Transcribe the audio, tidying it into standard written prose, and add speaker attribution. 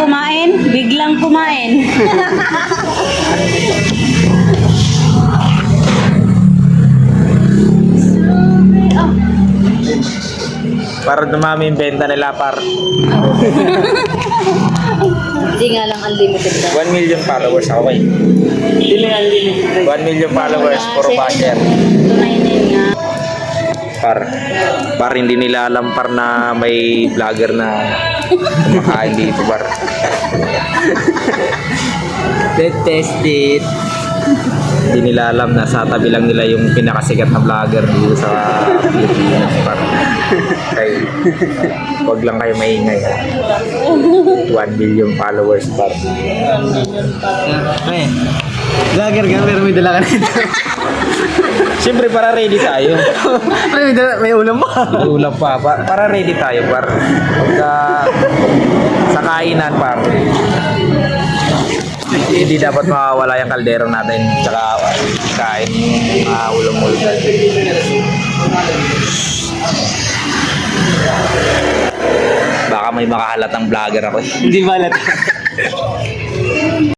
Speaker 1: kumain, biglang kumain.
Speaker 2: Para dumami yung benta nila, par.
Speaker 1: Hindi nga lang unlimited daw.
Speaker 2: 1 million followers ako eh.
Speaker 3: Hindi lang unlimited.
Speaker 2: 1 million followers, puro basher.
Speaker 1: Tunainin nga.
Speaker 2: Par hindi nila alam par na may vlogger na kumakain dito, par.
Speaker 3: Let's test it.
Speaker 2: Hindi nila alam na sa tabi lang nila yung pinakasikat na vlogger dito sa Pilipinas, par. Kaya wag lang kayo maingay. 1 million followers, par.
Speaker 3: May, vlogger ka pero may dala ka nito.
Speaker 2: Siyempre para ready tayo.
Speaker 3: May ulam pa.
Speaker 2: May ulam pa. Para ready tayo, par. Pagka sa kainan, par. Hindi dapat mawawala yung kaldero natin. Tsaka kain mga ulam-ulam natin. Baka may makahalatang vlogger ako.
Speaker 3: Hindi balat.